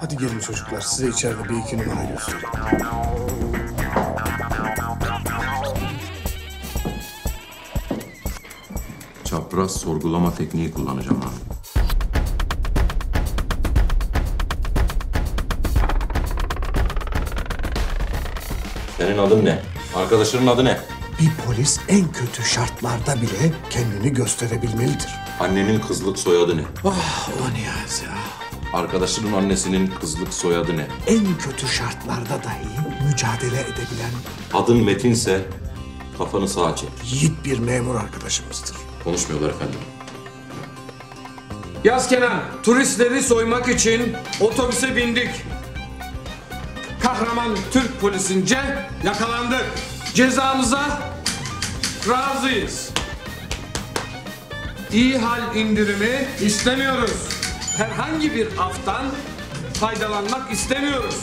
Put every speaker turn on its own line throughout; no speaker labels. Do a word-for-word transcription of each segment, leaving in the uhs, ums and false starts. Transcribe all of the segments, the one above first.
Hadi gelin çocuklar, size içeride bir iki numara göstereyim.
Çapraz sorgulama tekniği kullanacağım abi. Senin adın ne? Arkadaşının adı ne?
Bir polis en kötü şartlarda bile kendini gösterebilmelidir.
Annenin kızlık soyadı ne?
Ah o Niyazi ya.
Arkadaşının annesinin kızlık soyadı ne?
En kötü şartlarda dahi mücadele edebilen
Adın Metinse kafanı sağa çek.
yiğit bir memur arkadaşımızdır.
Konuşmuyorlar efendim.
Yaz Kenan, turistleri soymak için otobüse bindik. Kahraman Türk polisince yakalandık. Cezamıza razıyız. İyi hal indirimi istemiyoruz. Herhangi bir aftan faydalanmak istemiyoruz.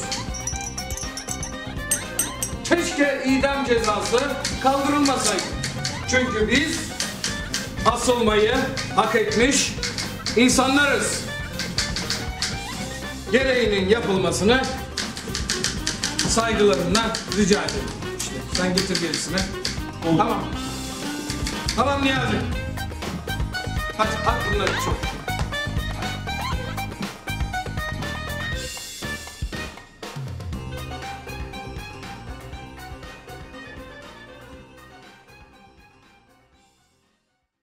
Keşke idam cezası kaldırılmasaydı. Çünkü biz asılmayı hak etmiş insanlarız. Gereğinin yapılmasını saygılarımla rica ederim. İşte sen getir gerisini. Tamam. Tamam Niyazi. Hadi at bunları çok.